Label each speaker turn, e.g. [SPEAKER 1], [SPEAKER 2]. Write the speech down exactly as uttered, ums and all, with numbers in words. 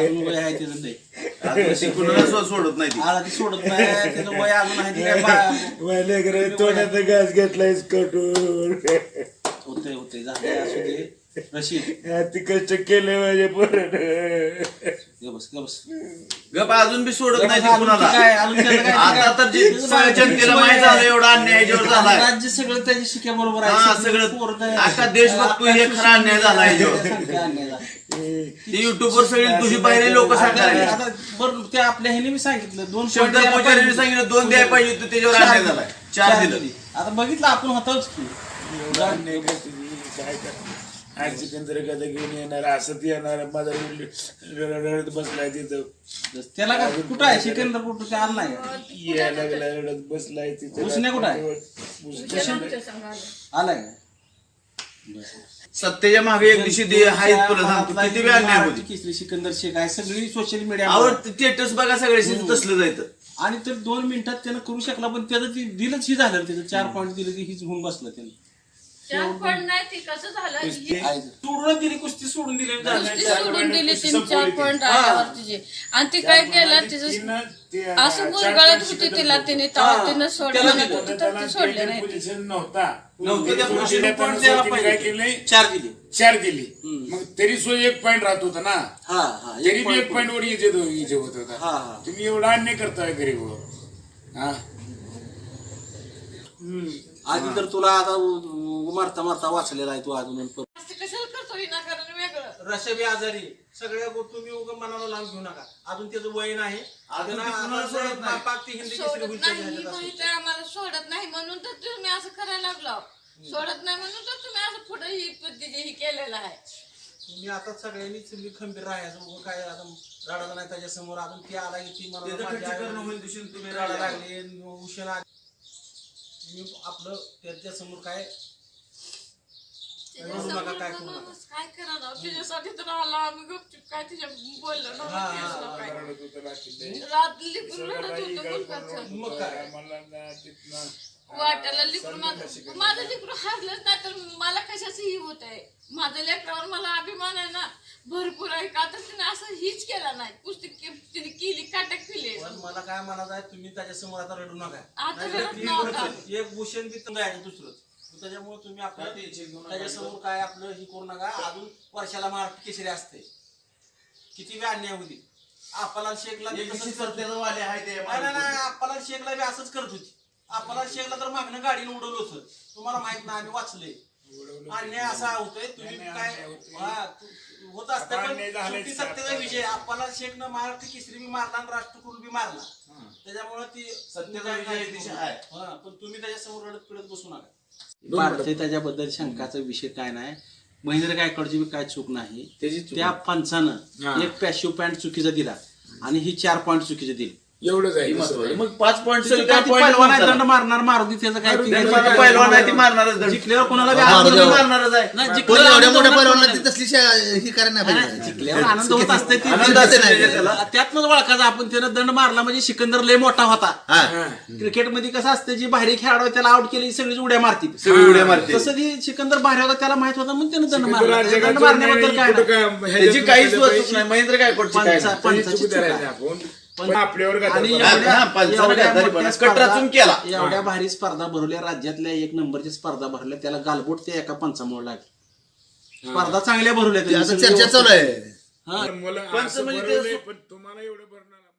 [SPEAKER 1] अजून वय आहे त्याचं ते
[SPEAKER 2] कुणाला सोडत नाही
[SPEAKER 1] आला ती सोडत नाही त्याचं वय अजून आहे ते काय
[SPEAKER 3] तोंडाचा घास घेतलायस कटून
[SPEAKER 1] होते होते झाले असू दे रशीद
[SPEAKER 3] ती कष्ट केले माझ्या पोरानं
[SPEAKER 1] बस बस
[SPEAKER 2] गप अजून बी सोडत नाही कुणाला
[SPEAKER 1] काय अजून त्याचं काय-
[SPEAKER 2] आता तर जे जनतेला माहित झालं एवढा अन्याय याच्यावर झालाय
[SPEAKER 1] राज्य सगळं त्याच्या शिक्या बरोबर
[SPEAKER 2] हा,
[SPEAKER 1] आहे
[SPEAKER 2] सगळं आता देश बघतो हे खरा अन्याय झाला याच्यावर
[SPEAKER 1] अन्याय झाला.
[SPEAKER 2] ते युट्यूबवर सगळी तुझी पाहिजे लोक सांगणार
[SPEAKER 1] आता बरं ते आपल्या ह्याने मी सांगितलं दोन point
[SPEAKER 2] शंकर
[SPEAKER 1] द्यायला
[SPEAKER 2] पुजारीने
[SPEAKER 1] पाहिजे.
[SPEAKER 2] सांगितलं दोन द्यायला पाहिजे होतं त्याच्यावर अन्याय झालाय चार दिलं
[SPEAKER 1] आता बघितलं आपण होतोच की
[SPEAKER 3] एवढा अन्याय करते ती, काय करते आज सिकंदर कदा घेऊन येणार असत येणार माझा रडत बसलाय तिथं
[SPEAKER 1] त्याला काय कुठं आहे सिकंदर कुठं ते आलं नाही
[SPEAKER 3] यायला लागला रडत बसलाय तिथं
[SPEAKER 1] उसने कुठं आहे? आलाय का
[SPEAKER 2] सत्तेच्या मागे एक दिवशी दे हाय तुला सांगतो किती वेळ अन्याय होती
[SPEAKER 1] केसरी सिकंदर शेख आहे सगळी सोशल मीडिया
[SPEAKER 2] आवड स्टेटस बघा सगळ्याशी तसलं जायचं
[SPEAKER 1] आणि तर दोन मिनिटात त्यानं करू शकला पण त्याचं ती दिलंच ही झालं त्याचं चार पॉईंट दिलं की हीच होऊन बसलं त्यानं
[SPEAKER 4] चार पॉईंट नाही ती कसं झालं ही
[SPEAKER 1] सोडून दिली कुस्ती सोडून दिली
[SPEAKER 4] कुस्ती सोडून दिली तीन चार पॉईंट आल्यावर तिचे आणि ती काय केलं तिचं असं गुरगळत होती तिला तिने तेव्हा तिनं सोडलं म्हणत होती तर ती सोडले नाही
[SPEAKER 3] पोझिशन नव्हता
[SPEAKER 1] नव्हतं त्या
[SPEAKER 3] नव्हतं.
[SPEAKER 1] पोझिशनला point द्यायला पाहिजे.
[SPEAKER 3] काय केलंय
[SPEAKER 1] चार दिली
[SPEAKER 3] चार दिली मग तरी सो एक पॉईंट राहत होता ना
[SPEAKER 1] हा हा
[SPEAKER 3] तरी बी एक पॉईंट वर इजे इजे होत होता
[SPEAKER 1] हा हा
[SPEAKER 3] तुम्ही एवढा अन्याय करताय गरीब हा
[SPEAKER 1] आधी तर तुला आता मारता मारता वाचलेला आहे तू अजून
[SPEAKER 4] असं कशाला करतो विनाकारण वेगळं
[SPEAKER 1] रशबी आजारी सगळ्या गोष्टी तुम्ही उगा मनाला लावून घेऊ नका अजून त्याचं वय नाही
[SPEAKER 2] अजून ते कुणाला सोडत नाही.
[SPEAKER 1] पाक ती हिंदी केसरी
[SPEAKER 4] सोडत
[SPEAKER 1] होईल
[SPEAKER 4] नाही ही माहिती आहे आम्हाला सोडत नाही म्हणून तर तुम्ही असं करायला लागलो सोडत नाही म्हणून तर तुम्ही असं पुढे ही पद्धती ही केलेलं आहे
[SPEAKER 1] तुम्ही आता सगळ्यांनी तुम्ही खंबीर राहायचं उगा काय आता रडायला नाही त्याच्या समोर अजून ती आला की ती मला
[SPEAKER 2] त्याचं
[SPEAKER 1] माझी आई
[SPEAKER 2] खच्चीकरण होईल दिवशी तुम्ही
[SPEAKER 1] रडायला
[SPEAKER 2] रडायला
[SPEAKER 1] लागले उशीर आली. तुम्ही आपलं त्याच्या समोर काय रडू नका काय करू नका
[SPEAKER 4] काय करणार तिच्यासाठी तर आला आम्ही गपचूप काय तिच्या बोललो नव्हतं काय
[SPEAKER 3] रडत होतं रात्री.
[SPEAKER 4] रात लिकून रडत होतं मुलगाचं
[SPEAKER 1] मग काय
[SPEAKER 3] मला ना तिथनं
[SPEAKER 4] वाटायला लिकून माझं माझं लिकून हरलंच नाही तर मला कशाचंही होत आहे माझ्या लेकरावर मला अभिमान आहे ना भरपूर आहे का तर तिने असं हीच केला नाही पुस्तक तिने केली काटक केली
[SPEAKER 1] पण मला काय म्हणायचं आहे तुम्ही त्याच्या समोर आता रडू नका
[SPEAKER 4] आता
[SPEAKER 1] नाहीतर
[SPEAKER 4] रडत
[SPEAKER 1] ती
[SPEAKER 4] नव्हता.
[SPEAKER 1] गोष्ट- एक भूषण बी तुम्ही आहे दुसरं त्याच्यामुळे तुम्ही आपलं त्याच्या समोर काय आपलं हे करू नका अजून वर्षाला महाराष्ट्र केसरी असते किती बी अन्याय होती आपला शेखला बी तसंच करत होती.
[SPEAKER 2] वाले आहे ते
[SPEAKER 1] नाही नाही, नाही आपला शेखला बी असंच करत होती आपला शेखला तर मागणं गाडीनं उडवलं होतं तुम्हाला माहित नाही आम्ही वाचले अन्याय असा होतोय तुम्ही काय हा, तू- होत असतं पण शेवटी सत्तेचा विजय आपला शेखनं महाराष्ट्र केसरी बी मारला आणि राष्ट्रकुल बी मारला त्याच्यामुळे ती
[SPEAKER 2] सत्तेचा विजय दिशा आहे.
[SPEAKER 1] हा, पण तुम्ही त्याच्या समोर रडत पिडत बसू नका भारतीय त्याच्याबद्दल शंकाचा विषय काय नाही महेंद्र गायकवाडची बी काय चूक नाही त्या पंचानं एक पॅशिव पॉईंट चुकीचा दिला आणि ही चार पॉईंट चुकीचे दिली
[SPEAKER 3] एवढंच आहे
[SPEAKER 2] मग पाच पॉईंट
[SPEAKER 1] काय ती पहिलवान आहे, दंड मारणार मारुती त्याचं काय ती-
[SPEAKER 2] पहिलवान नाही ती मारणारच दंड.
[SPEAKER 1] जिंकल्यावर कोणाला बी
[SPEAKER 2] आपण
[SPEAKER 1] आनंद
[SPEAKER 2] बी
[SPEAKER 1] होतो.
[SPEAKER 2] मारणारच आहे
[SPEAKER 1] नाही,
[SPEAKER 5] पण
[SPEAKER 1] जिंकल्यावर
[SPEAKER 5] एवढ्या
[SPEAKER 1] आनंद
[SPEAKER 5] मोठ्या
[SPEAKER 1] होणार
[SPEAKER 5] पैलवानला
[SPEAKER 1] नाही.
[SPEAKER 5] ती तसली शा- ही करायला नाही
[SPEAKER 1] नाही,
[SPEAKER 5] पाहिजे
[SPEAKER 1] जिंकल्यावर आनंद होत असते ती-
[SPEAKER 2] आनंद असते त्याला.
[SPEAKER 1] त्यातनंच ओळखायचा आपण त्यानं दंड मारला म्हणजे सिकंदर लय मोठा होता
[SPEAKER 5] हा.
[SPEAKER 1] क्रिकेटमध्ये कसं असतं जी बाहेरी खेळाडू आहे, त्याला आउट केली सगळीच उड्या मारतील
[SPEAKER 2] सगळी उड्या मारते
[SPEAKER 1] तसं ती सिकंदर बाहेर होता त्याला माहित होता म्हणून त्यानं दंड
[SPEAKER 3] सिकंदर
[SPEAKER 1] मारला
[SPEAKER 3] जगात
[SPEAKER 1] दंड
[SPEAKER 3] जो
[SPEAKER 1] मारण्याबद्दल काय
[SPEAKER 3] कुठं
[SPEAKER 1] नाही.
[SPEAKER 3] काय-
[SPEAKER 2] त्याची
[SPEAKER 3] ह्याच्यातून
[SPEAKER 2] काहीच
[SPEAKER 3] त्याला
[SPEAKER 2] वस्तू नाही महेंद्र गायकवाडची काय
[SPEAKER 1] पंचा-
[SPEAKER 2] नाही.
[SPEAKER 3] त्याची
[SPEAKER 1] पंचाची
[SPEAKER 3] चूक
[SPEAKER 1] चूक
[SPEAKER 3] करायची
[SPEAKER 1] आहे.
[SPEAKER 3] आपण.
[SPEAKER 1] पण-
[SPEAKER 3] पण आपल्यावर काय
[SPEAKER 1] आणि
[SPEAKER 3] करतो?
[SPEAKER 1] एवढ्या-
[SPEAKER 2] हा, पंचावन्न
[SPEAKER 1] एवढ्या
[SPEAKER 2] गद्दारी
[SPEAKER 1] मोठ्या
[SPEAKER 2] पण
[SPEAKER 1] स्पर्धा-
[SPEAKER 2] कटरचून केला.
[SPEAKER 1] एवढ्या भारी स्पर्धा भरवल्या राज्यातल्या एक नंबरची स्पर्धा भरवल्या त्याला गालबोट त्या एका पंचामुळे लागली स्पर्धा चांगल्या भरवल्या
[SPEAKER 5] ती आता
[SPEAKER 1] त्यांनी.
[SPEAKER 5] चर्चा चालू आहे
[SPEAKER 1] हा.
[SPEAKER 3] मला
[SPEAKER 2] पंच
[SPEAKER 3] असं
[SPEAKER 2] म्हणजे ते
[SPEAKER 3] बरवलंय,
[SPEAKER 2] असं-
[SPEAKER 3] पण तुम्हाला एवढं भरणार